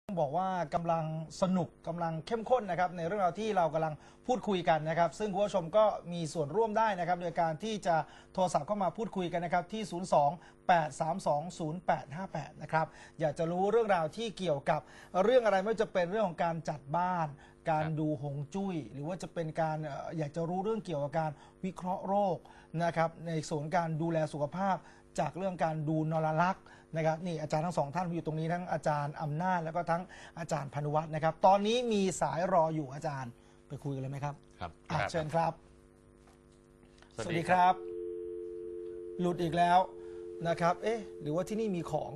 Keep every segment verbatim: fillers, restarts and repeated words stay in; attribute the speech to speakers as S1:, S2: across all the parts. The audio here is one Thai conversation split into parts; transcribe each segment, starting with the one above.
S1: บอกว่ากำลังสนุกกำลังเข้มข้นนะครับในเรื่องราวที่เรากำลังพูดคุยกันนะครับซึ่งคุณผู้ชมก็มีส่วนร่วมได้นะครับโดยการที่จะโทรศัพท์เข้ามาพูดคุยกันนะครับที่ ศูนย์ สอง แปด สาม สอง ศูนย์ แปด ห้า แปด นะครับอยากจะรู้เรื่องราวที่เกี่ยวกับเรื่องอะไรไม่ว่าจะเป็นเรื่องของการจัดบ้านการดูฮวงจุ้ยหรือว่าจะเป็นการเอ่ออยากจะรู้เรื่องเกี่ยวกับการวิเคราะห์โรคนะครับในส่วนการดูแลสุขภาพจากเรื่องการดูนรลักษณ์นะครับนี่อาจารย์ทั้งสองท่านอยู่ตรงนี้ทั้งอาจารย์อำนาจแล้วก็ทั้งอาจารย์พานุวัฒน์นะครับตอนนี้มีสายรออยู่อาจารย์ไปคุยกันเลยไหมครับ
S2: ครับ
S1: อ่ะเชิญครับ
S2: สวัสดี
S1: สวัสดีครับ หลุดอีกแล้วนะครับ เอ๊ะหรือว่าที่นี่มีของ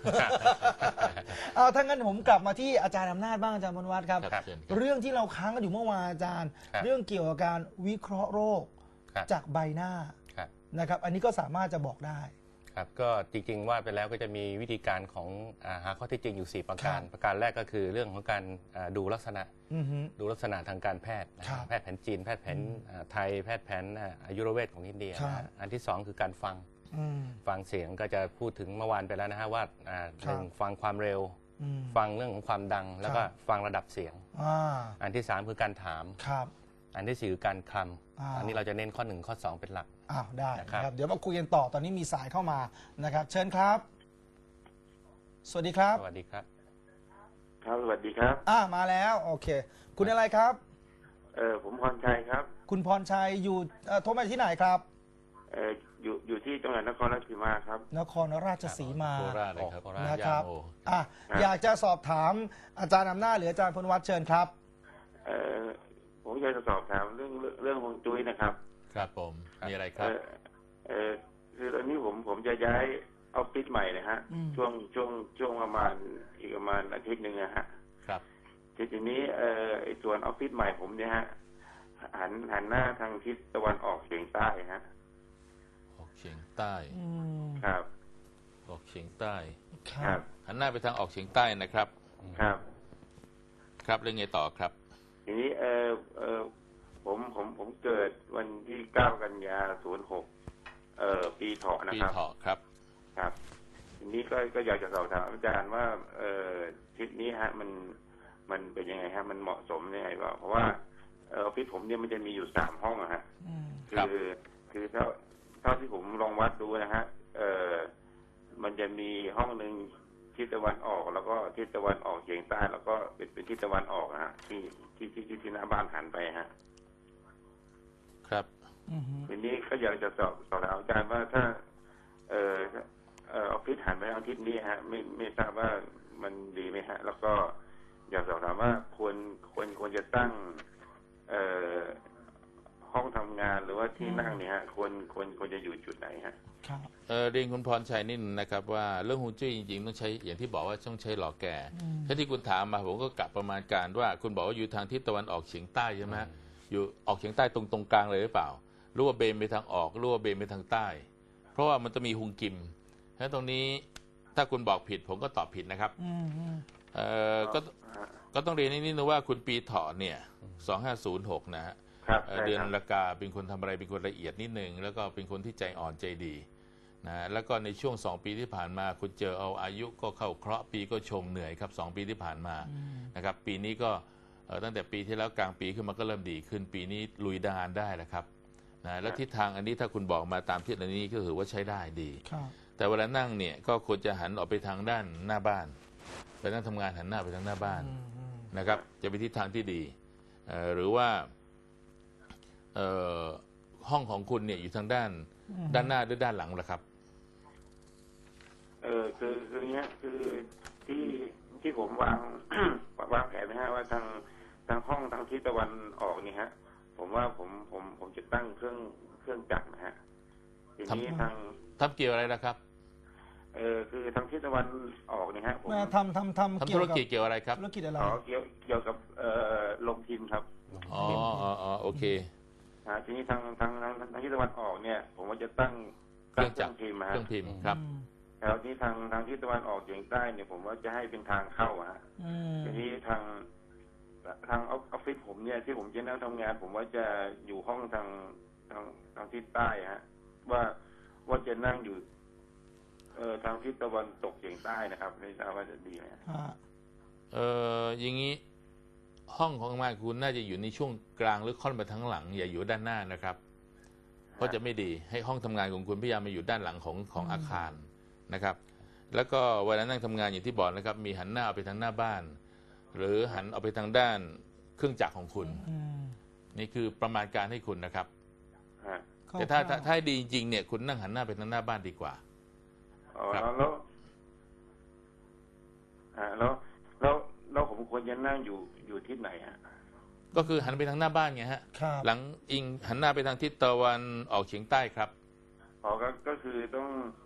S1: เอาถ้างั้นผมกลับมาที่อาจารย์อำนาจบ้างอาจารย์พานุวัฒน์ครับ
S2: ครับเชิญครับ
S1: เรื่องที่เราค้างกันอยู่เมื่อวานอาจารย์
S3: ครับ
S1: เรื่องเกี่ยวกับการวิเคราะห์โรค
S3: ครับ
S1: จากใบหน้า
S3: ครับ
S1: นะครับ อันนี้ก็สามารถจะบอกได้
S3: ครับก็จริงๆว่าไปแล้วก็จะมีวิธีการของอาหาข้อเท็จจริงอยู่ สี่ ประการ
S1: ครับ
S3: ประการแรกก็คือเรื่องของการอ่าดูลักษณะ
S1: อือฮึ
S3: ดูลักษณะทางการแพทย์นะครับ แพทย์แผนจีน แพทย์แผนอ่าไทยแพทย์แผนอ่าอายุรเวทของอินเดีย
S1: ครับ
S3: นะฮะอันที่สองคือการฟัง
S1: อืม
S3: ฟังเสียงก็จะพูดถึงเมื่อวานไปแล้วนะฮะว่าอ่า
S1: ครับ
S3: หนึ่งฟังความเร็ว
S1: อืม
S3: ฟังเรื่องของความดัง แล้วก็
S1: ครับ
S3: ฟังระดับเสียง
S1: อ่า
S3: อันที่สามคือการถาม
S1: ครับ
S3: อันที่สี่คือการคล
S1: อ่า
S3: ำอันนี้เราจะเน้นข้อหนึ่งข้อสองเป็นหลัก
S1: อ้าวได้
S3: นะครับ
S1: นะครับ เดี๋ยวมาคุยกันต่อตอนนี้มีสายเข้ามานะครับ เชิญครับ สวัสดีครับ
S3: สวัสดีครับ
S4: ครับสวัสดีครับ
S1: อ่ามาแล้วโอเค คุณอะไรครับ
S4: เออผมพรชัยครับ
S1: คุณพรชัยอยู่เอ่อโทรมาที่ไหนครับ
S4: เอออยู่อยู่ที่จังหวัดนครราชสีมาครับ
S1: นครราชสีมา
S2: โคราชเลยครับ
S3: โคราช
S1: นะครับ
S2: ย่าโม
S1: อ่ะอยากจะสอบถามอาจารย์อำนาจหรืออาจารย์พลวัฒน์เชิญครับ
S4: เออผมอยากจะสอบถามเรื่องเรื่องเรื่องฮวงจุ้ยนะครับ
S2: ครับผม มีอะไรค
S4: เอ
S2: รับ
S4: อเออคือตอนนี้ผมผมจะย้ายออฟฟิศใหม่นะฮะ
S1: อืม
S4: ช่วงช่วงช่วงประมาณอีกประมาณอาทิตย์หนึ่งนะฮะ
S2: ครับ
S4: ทีทีนี้เออไอส่วนออฟฟิศใหม่ผมเนี่ยฮะหันหันหน้าทางทิศตะวันออกเฉียงใต้ฮะ
S2: ออกเฉียงใต้
S1: อืม
S4: ครับ
S2: ออกเฉียงใต้
S1: ค
S4: ค
S1: รั
S4: รั
S1: บบ
S2: หันหน้าไปทางออกเฉียงใต้นะครับ
S4: ครับ
S2: ครับเรื่องไงต่อครับ
S4: ทีนี้เออเออผมผมผมเกิดวันที่เก้ากันยาศูนย์หกเอ่อปีเถาะนะ
S2: ปี
S4: ครับ
S2: เถาะครับ
S4: ครับ ทีนี้ก็ก็อยากจะสอบถามอาจารย์ว่า เออทิศนี้ฮะ มันมันเป็นยังไงฮะ มันเหมาะสมยังไงว่าเพราะว่าเออออฟฟิศผมเนี่ยมันจะมีอยู่สามห้องอะฮะ
S1: อืม
S4: คื
S2: ครับ
S4: อคือเท่าเท่าที่ผมลองวัดดูนะฮะ เออมันจะมีห้องหนึ่งทิศตะวันออก แล้วก็ทิศตะวันออกเฉียงใต้แล้วก็เป็นเป็นทิศตะวันออกนะฮะที่ที่ที่ที่ที่หน้าบ้านหันไปฮะ
S2: ครับ
S1: อืม
S4: ทีนี้ก็อยากจะสอบสอบถามอาจารย์ว่าถ้า เออเออออฟฟิศหันไปทางทิศนี้ฮะ ไม่ไม่ทราบว่ามันดีไหมฮะ แล้วก็อยากสอบถามว่าควรควรควรจะตั้ง เอ่อห้องทำงานหรือว่าที่นั่งเนี่ยฮะควรควรควรจะอยู่จุดไหนฮะ
S1: ครับ
S2: เออเรียนคุณพรชัยนิดนึงนะครับว่าเรื่องฮวงจุ้ยจริงๆต้องใช้อย่างที่บอกว่าต้องใช้หล่อแก่
S1: อืม
S2: ถ้าที่คุณถามมาผมก็กลับประมาณการว่าคุณบอกว่าอยู่ทางทิศตะวันออกเฉียงใต้ใช่ไหมฮะอยู่ออกเฉียงใต้ตรงตรงกลางเลยหรือเปล่ารู้ว่าเบนไปทางออกรู้ว่าเบนไปทางใต้ เพราะว่ามันจะมีฮุงกิมถ้าตรงนี้ถ้าคุณบอกผิดผมก็ตอบผิดนะครับ
S1: อืมอืม
S2: เอ่อก็ก็ต้องเรียนนิดนึงว่าคุณปีเถาะเนี่ยสองห้าศูนย์หกนะฮะ
S4: ครับ
S2: เอ่อ
S4: ใช่
S2: เดือน
S4: ครับ
S2: ละกาเป็นคนทำอะไรเป็นคนละเอียดนิดนึงแล้วก็เป็นคนที่ใจอ่อนใจดีนะแล้วก็ในช่วงสองปีที่ผ่านมาคุณเจอเอาอายุก็เข้าเคราะห์ปีก็ชงเหนื่อยครับสองปีที่ผ่านมานะครับปีนี้ก็เอ่อตั้งแต่ปีที่แล้วกลางปีขึ้นมาก็เริ่มดีขึ้นปีนี้ลุยดานได้แล้วครับนะแล้วทิศทางอันนี้ถ้าคุณบอกมาตามทิศอันนี้ก็ถือว่าใช้ได้ดี
S1: ครับ
S2: แต่เวลานั่งเนี่ยก็ควรจะหันออกไปทางด้านหน้าบ้านไปนั่งทำงานหันหน้าไปทางหน้าบ้าน
S1: อืมอืม
S2: นะครับจะเป็นทิศทางที่ดีเอ่อหรือว่าเอ่อห้องของคุณเนี่ยอยู่ทางด้านด้านหน้าหรือด้านหลังล่ะครับ
S4: เออคือคือเนี้ยคือที่ที่ผมวาง วางแผนนะฮะว่าทางทางห้องทางทิศตะวันออกนี่ฮะ ผมว่าผมผมผมจะตั้งเครื่องเครื่องจักรนะฮะทีนี้
S2: ทำ
S4: ทาง
S2: ทำเกี่ยวอะไรนะครับ
S4: เออคือทางทิศตะวันออกนี่ฮะผม
S1: แม่ทำทำทำ
S2: ทำ
S1: เกี่
S2: ธุ
S1: ยว
S2: ร
S1: กับ
S2: กิจเกี่ยวอะไรครับ
S1: ธุรกิจอะไร
S4: ขอเกี่ยวเกี่ยวกับเอ่อลงพิมพ์ครับ
S2: อ๋ออ๋ออ๋อโอเค
S4: อ่าทีนี้ทางทางทางทางทิศตะวันออกเนี่ย ผมว่าจะตั้ง
S2: เครื่องจักร
S4: พิมพ์
S2: เค
S4: ฮะ
S2: รื่องพิมพ์ครับ
S1: อืม
S4: แล้วที่ทางทางทิศตะวันออกเฉียงใต้เนี่ยผมว่าจะให้เป็นทางเข้าอะฮะ
S1: อืม
S4: ทีนี้ทางทางออฟฟิศผมเนี่ยที่ผมจะนั่งทำงาน ผมว่าจะอยู่ห้องทางทางทางทิศใต้ฮะ ว่าว่าจะนั่งอยู่ เอ่อทางทิศตะวันตกเฉียงใต้นะครับไม่ทราบว่าจะดีไหมฮะ
S1: ฮะ
S2: เอออย่างนี้ห้องของทำงานคุณน่าจะอยู่ในช่วงกลางหรือค่อนไปทั้งหลัง อย่าอยู่ด้านหน้านะครับ เพราะจะไม่ดีให้ห้องทำงานของคุณพยายามมาอยู่ด้านหลังของของอาคารนะครับ แล้วก็เวลานั่งทำงานอย่างที่บอกนะครับ มีหันหน้าเอาไปทางหน้าบ้าน หรือหันเอาไปทางด้านเครื่องจักรของคุณ
S1: อืม
S2: นี่คือประมาณการให้คุณนะครับ
S4: ฮะ
S2: แต่ถ้าถ้าถ้าให้ดีจริงๆเนี่ยคุณนั่งหันหน้าไปทางหน้าบ้านดีกว่า
S4: อ๋อ
S2: ครับ
S4: แล้วฮะแล้วแล้วแล้วผมควรจะนั่งอยู่อยู่ทิศไหนฮะ
S2: ก็คือหันไปทางหน้าบ้านไงฮะ
S1: ครับ
S2: หลังอิงหันหน้าไปทางทิศตะวันออกเฉียงใต้ครับ
S4: อ๋อก็ก็คือต้อง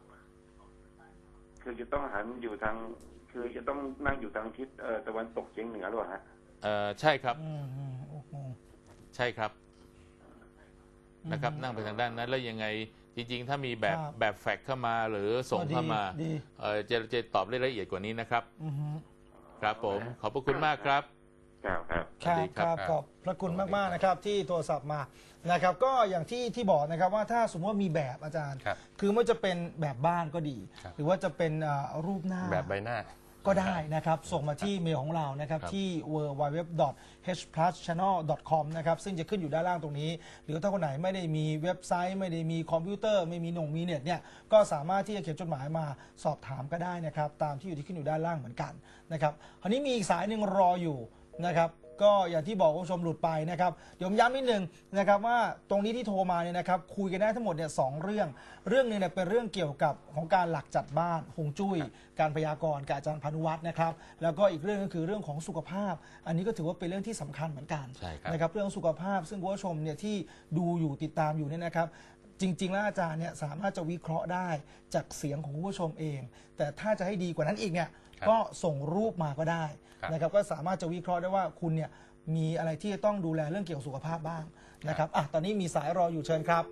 S4: คือจะต้องหันอยู่ทาง คือจะต้องนั่งอยู่ทางทิศเอ่อตะวันตกเฉียงเหนือหรือเปล่าฮะ
S2: เอ่อใช่ครับ
S1: อืมอืมโอ้โห
S2: ใช่ครับนะครับ นั่งไปทางด้านนั้น แล้วยังไงจริงๆ ถ้ามีแบบ
S1: ครับ
S2: แบบแฟกซ์เข้ามาหรือส่งเข้ามา
S1: ดี
S2: เอ่อจะจะตอบได้ละเอียดกว่านี้นะครับ
S1: อือฮึ
S2: ครับผมขอบพระคุณมากครับ
S4: ครับครับ
S1: ครับ
S2: สวัสดี
S1: ค
S2: ครั
S1: รับ บขอบพระคุณมากๆนะครับที่โทรศัพท์มานะครับ ก็อย่างที่ที่บอกนะครับว่าถ้าสมมติว่ามีแบบอาจารย์
S3: ครับ
S1: คือไม่ว่าจะเป็นแบบบ้านก็ดี
S3: ครับ
S1: หรือว่าจะเป็นเอ่อรูปหน้า
S3: แบบใบหน้า
S1: ก็ได้นะครับ ส่งมาที่เมลของเรานะครับ
S2: ครับ
S1: ที่ ดับเบิลยู ดับเบิลยู ดับเบิลยู ดอท เอช พลัส แชนแนล ดอท คอม นะครับ ซึ่งจะขึ้นอยู่ด้านล่างตรงนี้ หรือถ้าคนไหนไม่ได้มีเว็บไซต์ ไม่ได้มีคอมพิวเตอร์ ไม่มีหน่งมีเน็ตเนี่ย ก็สามารถที่จะเขียนจดหมายมาสอบถามก็ได้นะครับ ตามที่อยู่ที่ขึ้นอยู่ด้านล่างเหมือนกันนะครับคราวนี้มีอีกสายหนึ่งรออยู่นะครับ ก็อย่างที่บอกคุณผู้ชมหลุดไปนะครับเดี๋ยวผมย้ำนิดนึงนะครับว่าตรงนี้ที่โทรมาเนี่ยนะครับคุยกันได้ทั้งหมดเนี่ยสองเรื่อง เรื่องหนึงเนี่ยเป็นเรื่องเกี่ยวกับของการหลักจัดบ้านฮวงจุ้ยการพยากรณ์กับอาจารย์พานุวัฒน์นะครับแล้วก็อีกเรื่องก็คือเรื่องของสุขภาพ อันนี้ก็ถือว่าเป็นเรื่องที่สำคัญเหมือนกัน
S2: ใช่ครับ
S1: นะครับเรื่องสุขภาพซึ่งคุณผู้ชมเนี่ยที่ดูอยู่ติดตามอยู่เนี่ยนะครับ จริง ๆ แล้วอาจารย์เนี่ยสามารถจะวิเคราะห์ได้จากเสียงของคุณผู้ชมเอง แต่ถ้าจะให้ดีกว่านั้นอีกเนี่ย
S3: ครับ
S1: ก็ส่งรูปมาก็ได้
S3: ครับ
S1: นะครับก็สามารถจะวิเคราะห์ได้ว่าคุณเนี่ยมีอะไรที่จะต้องดูแลเรื่องเกี่ยวกับสุขภาพบ้างนะครับอ่ะตอนนี้มีสายรออยู่เชิญครับ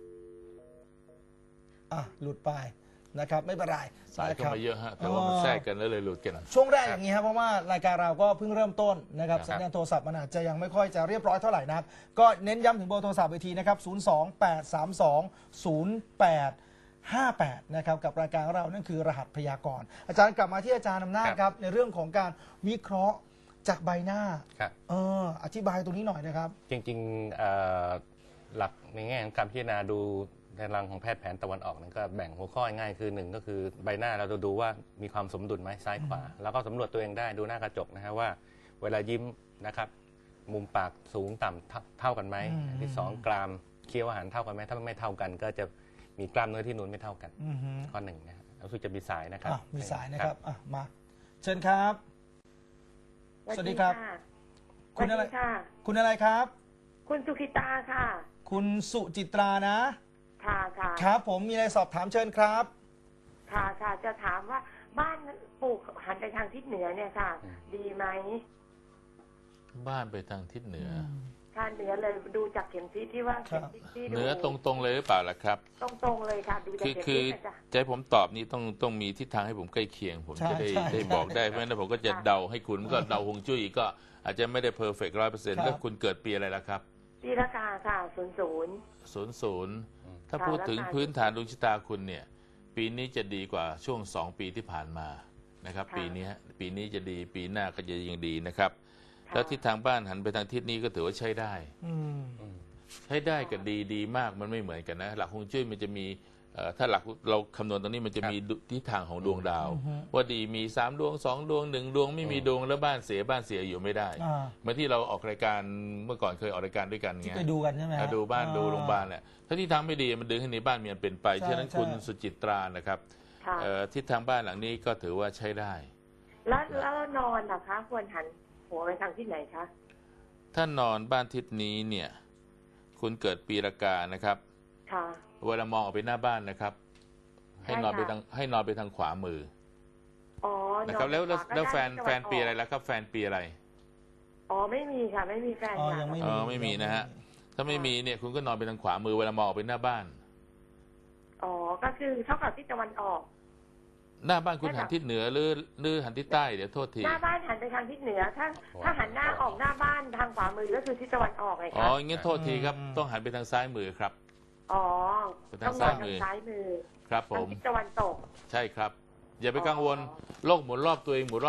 S1: อ่ะหลุดไปนะครับไม่เป็นไร
S2: สายเข้า
S1: นะครับ
S2: มาเยอะฮะแต่ว่ามันแทรกกันแล้วเลยหลุดกัน
S1: ช่วงแรกอย่างนี้ครับเพราะว่ารายการเราก็เพิ่งเริ่มต้นนะครับ
S2: ครับ
S1: สัญญาณโทรศัพท์มันอาจจะยังไม่ค่อยจะเรียบร้อยเท่าไหร่นักก็เน้นย้ำถึงเบอร์โทรศัพท์อีกทีนะครับ ศูนย์ สอง แปด สาม สอง ศูนย์ แปด ห้า แปด นะครับกับรายการของเรานั่นคือรหัสพยากรณ์อาจารย์กลับมาที่อาจารย์อำนาจ
S3: ครับ
S1: ครับในเรื่องของการวิเคราะห์จากใบหน้า
S3: ครับ
S1: เอออธิบายตรงนี้หน่อยนะครับ
S3: จริงๆเอ่อหลักในแง่ของการพิจารณาดูในรังของแพทย์แผนตะวันออกนั้นก็แบ่งหัวข้อง่ายๆคือหนึ่งก็คือใบหน้าเราจะดูว่ามีความสมดุลไหมซ้ายขวา แล้วก็สำรวจตัวเองได้ดูหน้ากระจกนะฮะว่าเวลายิ้มนะครับมุมปากสูงต่ำเท่าเท่ากันไหม
S1: อืม
S3: อันที่สองกรามเคี้ยวอาหารเท่ากันไหมถ้าไม่เท่ากัน ก็จะมีกล้ามเนื้อที่นูนไม่เท่ากัน
S1: อือฮึ
S3: ข้อหนึ่งนะฮะรู้สึกจะมีสายนะครับ
S1: อ่ะมีสายนะครับอ่ะมา เชิญครับ สวัสดีครับ
S5: สวัสดีค่ะ
S1: คุณอะไรครับ
S5: คุณสุขิตาค่ะ
S1: คุณสุจิตรานะ
S5: ค่ะค่ะ
S1: ครับผมมีอะไรสอบถามเชิญครับ
S5: ค่ะค่ะ จะถามว่าบ้านปลูกหันไปทางทิศเหนือเนี่ยค่ะ
S3: อืม
S5: ดีไหม
S2: บ้านไปทางทิศเหนือ
S5: ทางเหนือเลยดูจากเข็มทิศที่ว่าเข็มทิศที่
S2: เหนือตรงๆเลยหรือเปล่าล่ะครับ
S5: ตรงตรงๆเลยค่ะ ดูจาก
S2: คือ
S5: เข็ม
S2: คื
S5: ทิ
S2: อ
S5: ศนะจ๊ะ
S2: จะให้ผมตอบนี่ต้องต้องมีทิศทางให้ผมใกล้เคียง ผม
S1: ใช่
S2: จะได้
S1: ใช่
S2: ได้บอกได้เพราะฉะนั้นผมก็จะ
S5: ค่ะ
S2: เดาให้คุณก็เดาฮวงจุ้ยก็อาจจะไม่ได้เพอร์เฟกต์ร้อยเปอร์เซ็นต์
S1: ครับ
S2: แล้วคุณเกิดปีอะไรล่ะครับ
S5: ปีละกาค่ะศูนย์ศูนย์
S2: ศูนย์ศูนย์ถ้า
S5: ค่ะ
S2: พูดถึง
S5: แล้วการ
S2: พื้นฐานดวงชะตาคุณเนี่ย ปีนี้จะดีกว่าช่วงสองปีที่ผ่านมานะครับ
S5: ค่ะ
S2: ปีนี้ฮะปีนี้จะดีปีหน้าก็จะยังดีนะครับ
S5: ค่ะ
S2: แล้วทิศทางบ้านหันไปทางทิศนี้ก็ถือว่าใช้ได้
S1: อืม
S2: ใช้ได้กับดีดีมากมันไม่เหมือนกันนะ หลักฮวงจุ้ยมันจะมีเอ่อถ้าหลักเราคำนวณตรงนี้มันจะมีดุทิศทางของดวงดาว
S1: อือฮึ
S2: ว่าดีมีสามดวงสองดวงหนึ่งดวงไม่มีดวงแล้วบ้านเสียบ้านเสียอยู่ไม่ได้
S1: อ่า
S2: เหมื่อนที่เราออกรายการเมื่อก่อนเคยออกรายการด้วยกัน
S1: ที่
S2: ไง
S1: ไปดูกันใช่ไหมฮะ
S2: อ่ะดูบ้าน
S1: อ่
S2: ดูโรงพยาบาลแหละถ้าที่ทางไม่ดีมันดึงให้ในบ้านมีอันเป็นไป
S1: ใช่
S2: ฉะนั้น
S1: ใช่
S2: คุณสุจิตรานะครับ
S5: ค่ะ
S2: เอ่อทิศทางบ้านหลังนี้ก็ถือว่าใช้ได้
S5: แล้วแล้วนอนนะคะ ควรหันหัวไปทางทิศไหนคะ
S2: ถ้านอนบ้านทิศนี้เนี่ยคุณเกิดปีละกานะครับ
S5: ค่ะ
S2: เวลามองออกไปหน้าบ้านนะครับ ให้นอนไป
S5: ใช่ค่ะ
S2: ทางให้นอนไปทางขวามือ
S5: อ๋อ
S2: นะครับแล้วแล้ว
S5: ขก็
S2: แล้ว
S5: ได้
S2: แฟน
S5: ทิศตะ
S2: แฟ
S5: วัน
S2: ปี
S5: ก
S2: อะไรแล้วครับแฟนปีอะไร
S5: อ๋อไม่มีค่ะ ไม่มีแฟน
S1: อ๋อ
S5: ค่ะ
S1: ยังไม่
S2: เออไม่มีนะฮะ ถ้าไม่มีเนี่ยคุณก็นอนไปทางขวามือเวลามองออกไปหน้าบ้าน
S5: อ๋อก็คือเท่ากับทิศตะวันออก
S2: หน้าบ้านคุณ
S5: ใช่
S2: หั
S5: ค่ะ
S2: นทิศเหนือหรือหรือหันทิศใต้เดี๋ยวโทษที
S5: หน้าบ้านหันไปทางทิศเหนือ ถ้าถ้าหันหน้าออกหน้าบ้านทางขวามือก็คือทิศตะวันออกไง
S2: อ๋อ
S5: คะ
S2: อย่างงี้โทษทีครับต้องหันไปทางซ้ายมือครับ
S5: อ๋อ
S2: ไปทา
S5: ต้อง งน
S2: ซ้า
S5: อย น
S2: มื
S5: ทา
S2: อ
S5: งซ้ายมือ
S2: ครับผ
S5: ทาง
S2: ม
S5: ทิศตะวันตก
S2: ใช่ครับ อย่าไปกังวล
S5: อ๋อ
S2: โลกหมุนรอบตัวเองหมุนรอบ